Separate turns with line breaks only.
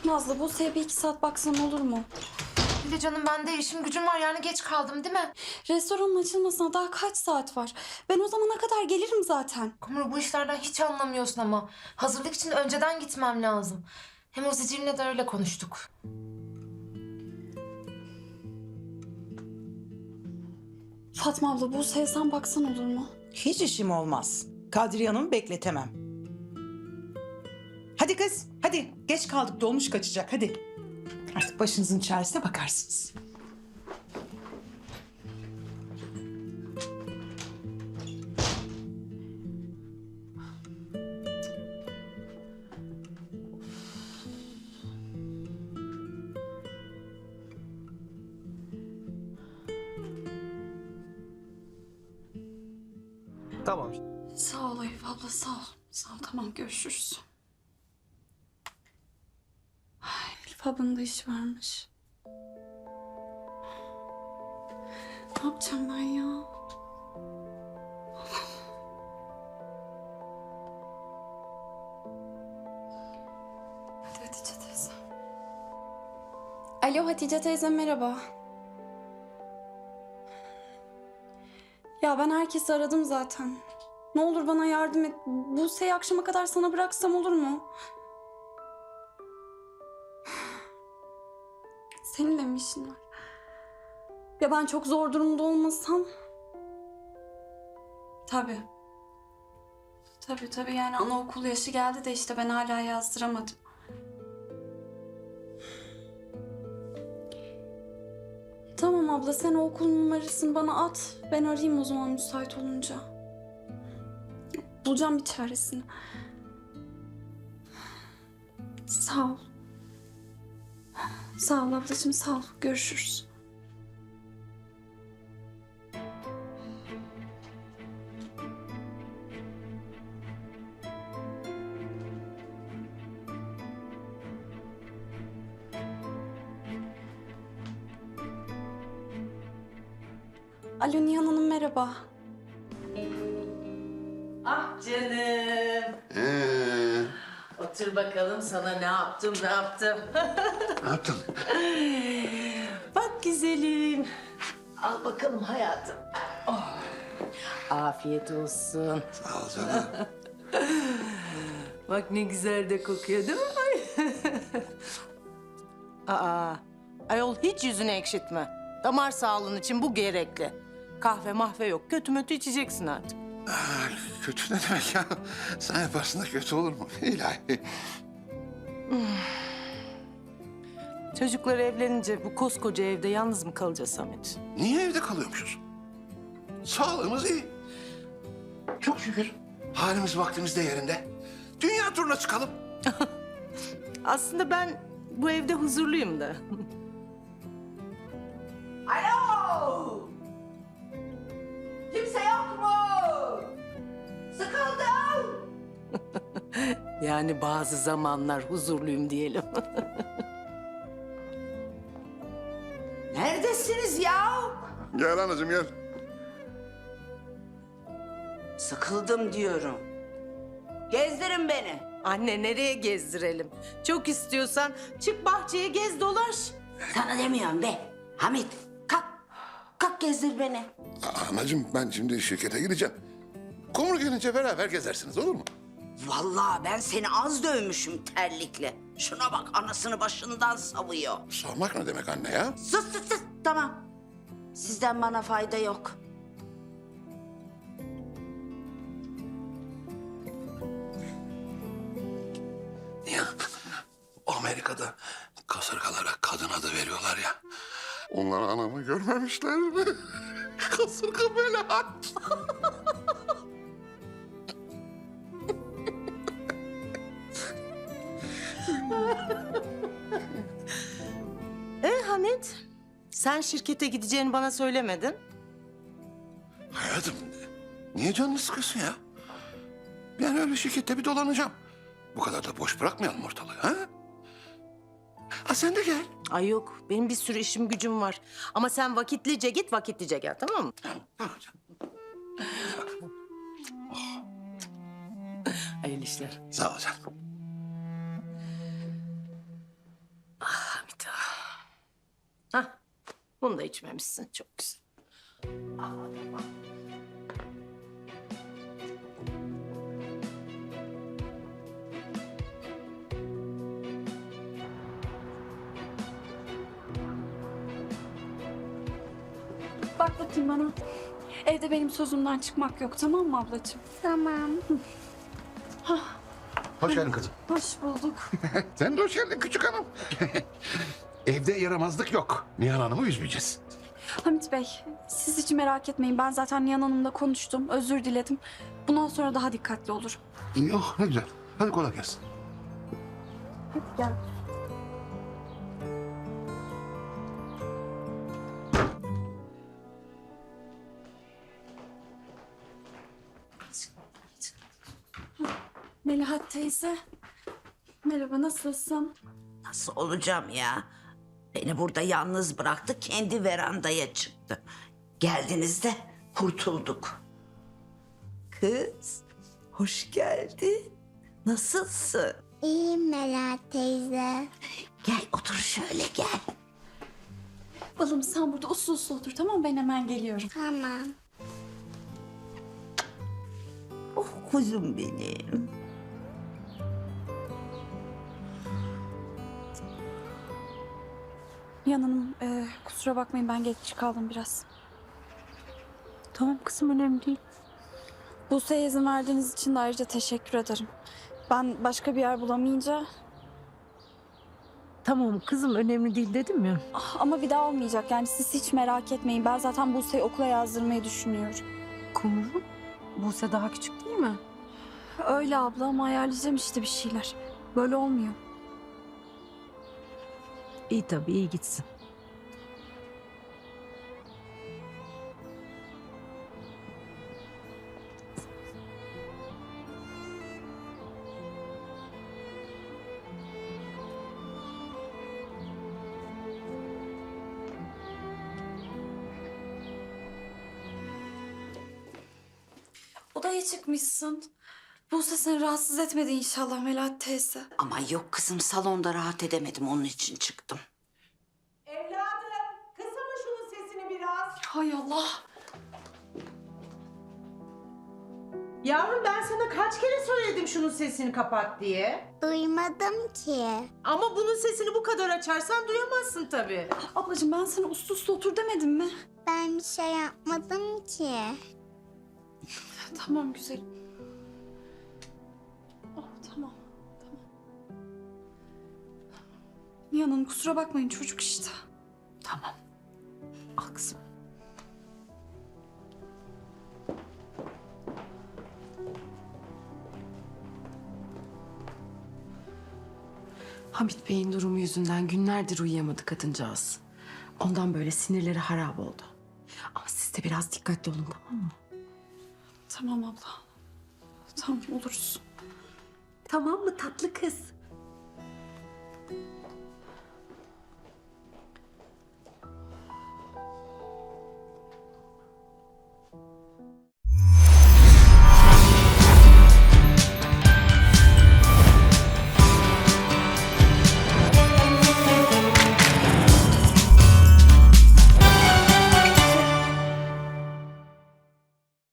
Nazlı, Buse'ye bir 2 saat baksan olur mu?
Bir de canım ben de işim gücüm var yani geç kaldım değil mi?
Restoranın açılmasına daha kaç saat var? Ben o zamana kadar gelirim zaten.
Kumru bu işlerden hiç anlamıyorsun ama. Hazırlık için önceden gitmem lazım. Hem o Zicir'le de öyle konuştuk.
Fatma abla, Buse'ye sen baksan olur mu?
Hiç işim olmaz. Kadriye Hanım'ı bekletemem. Hadi kız, hadi. Geç kaldık, dolmuş kaçacak, hadi. Artık başınızın çaresine bakarsınız.
Tamam.
Sağ ol Elif abla, sağ ol. Sağ ol, tamam görüşürüz. Ay, Elif ablanın da işi varmış. Ne yapacağım ben ya? Hadi Hatice teyze. Alo Hatice teyze, merhaba. Ya ben herkesi aradım zaten. Ne olur bana yardım et. Buse'yi akşama kadar sana bıraksam olur mu? Senin de mi işin var? Ya ben çok zor durumda olmasam... Tabii. Tabii yani anaokul yaşı geldi de işte ben hala yazdıramadım. Tamam abla, sen o okul numarasını bana at. Ben arayayım o zaman müsait olunca. Bulacağım bir çaresini. Sağ ol. Sağ ol ablacığım, sağ ol. Görüşürüz. Alo Nihan Hanım, merhaba.
Ah canım. Otur bakalım sana ne yaptım.
Ne yaptın?
Bak güzelim. Al bakalım hayatım. Oh. Afiyet olsun.
Sağ ol canım.
Bak ne güzel de kokuyor değil mi? Aa, ayol hiç yüzünü ekşitme. Damar sağlığın için bu gerekli. Kahve mahve yok. Kötü mötü içeceksin artık.
Kötü ne demek ya? Sen yaparsın da kötü olur mu? İlahi.
Çocuklar evlenince bu koskoca evde yalnız mı kalacağız Samet?
Niye evde kalıyormuşuz? Sağlığımız iyi. Çok şükür. Halimiz vaktimiz de yerinde. Dünya turuna çıkalım.
Aslında ben bu evde huzurluyum da.
Alo! Kimse yok mu? Sıkıldım.
Yani bazı zamanlar huzurluyum diyelim.
Neredesiniz ya?
Gel anacığım gel.
Sıkıldım diyorum. Gezdirin beni.
Anne nereye gezdirelim? Çok istiyorsan çık bahçeye gez dolaş.
Sana demiyorum be. Hamit kalk. Kalk gezdir beni.
Anacığım ben şimdi şirkete gideceğim. Kumru gelince beraber gezersiniz olur mu?
Vallahi ben seni az dövmüşüm terlikle. Şuna bak anasını başından savuyor.
Sormak ne demek anne ya?
Sus. Tamam. Sizden bana fayda yok.
Ya Amerika'da kasırgalara kadın adı veriyorlar ya. Onlar anamı görmemişler mi? Kasırga belaat.
Hamit, sen şirkete gideceğini bana söylemedin.
Hayatım niye canını sıkıyorsun ya? Ben öyle şirkette bir dolanacağım. Bu kadar da boş bırakmayalım ortalığı ha? Ha sen de gel.
Ay yok, benim bir sürü işim gücüm var. Ama sen vakitlice git, vakitlice gel, tamam mı?
Tamam canım.
Hayırlı işler.
Sağ ol canım.
Hah, bunu da içmemişsin. Çok güzel.
Bak bakayım bana. Evde benim sözümden çıkmak yok, tamam mı ablacığım?
Tamam.
Hoş geldin kızım.
Hoş bulduk.
Sen de hoş geldin küçük hanım. Evde yaramazlık yok. Nihan Hanım'ı üzmeyeceğiz.
Hamit Bey, siz hiç merak etmeyin. Ben zaten Nihan Hanım'la konuştum, özür diledim. Bundan sonra daha dikkatli olurum.
Yok ne güzel. Hadi kolay gelsin.
Hadi gel. Melahat teyze. Merhaba, nasılsın?
Nasıl olacağım ya? Beni burada yalnız bıraktı, kendi verandaya çıktı. Geldiniz de kurtulduk. Kız, hoş geldin. Nasılsın?
İyiyim Melahat teyze.
Gel otur şöyle gel.
Balım sen burada uslu uslu otur, tamam mı? Ben hemen geliyorum.
Tamam.
Oh kuzum benim.
Nihan Hanım, kusura bakmayın ben geç kaldım biraz.
Tamam kızım, önemli değil.
Buse'ye izin verdiğiniz için de ayrıca teşekkür ederim. Ben başka bir yer bulamayınca...
Tamam kızım, önemli değil dedim ya.
Ama bir daha olmayacak yani siz hiç merak etmeyin. Ben zaten Buse'yi okula yazdırmayı düşünüyorum.
Kumru, Buse daha küçük değil mi?
Öyle abla ama ayarlayacağım işte bir şeyler. Böyle olmuyor.
İyi tabii, iyi gitsin.
Odaya çıkmışsın. Buse seni rahatsız etmedi inşallah Melahat teyze.
Ama yok kızım, salonda rahat edemedim, onun için çıktım.
Evladım, kısama şunun sesini biraz.
Hay Allah.
Yavrum ben sana kaç kere söyledim şunun sesini kapat diye.
Duymadım ki.
Ama bunun sesini bu kadar açarsan duyamazsın tabii.
Ablacığım ben sana uslu uslu otur demedim mi?
Ben bir şey yapmadım ki.
Tamam güzelim. Oh tamam. Tamam. Nihan Hanım kusura bakmayın çocuk işte.
Tamam. Al kızım. Hamit Bey'in durumu yüzünden günlerdir uyuyamadı kadıncağız. Ondan böyle sinirleri harap oldu. Ama siz de biraz dikkatli olun, tamam mı?
Tamam abla. Tamam oluruz.
Tamam mı tatlı kız?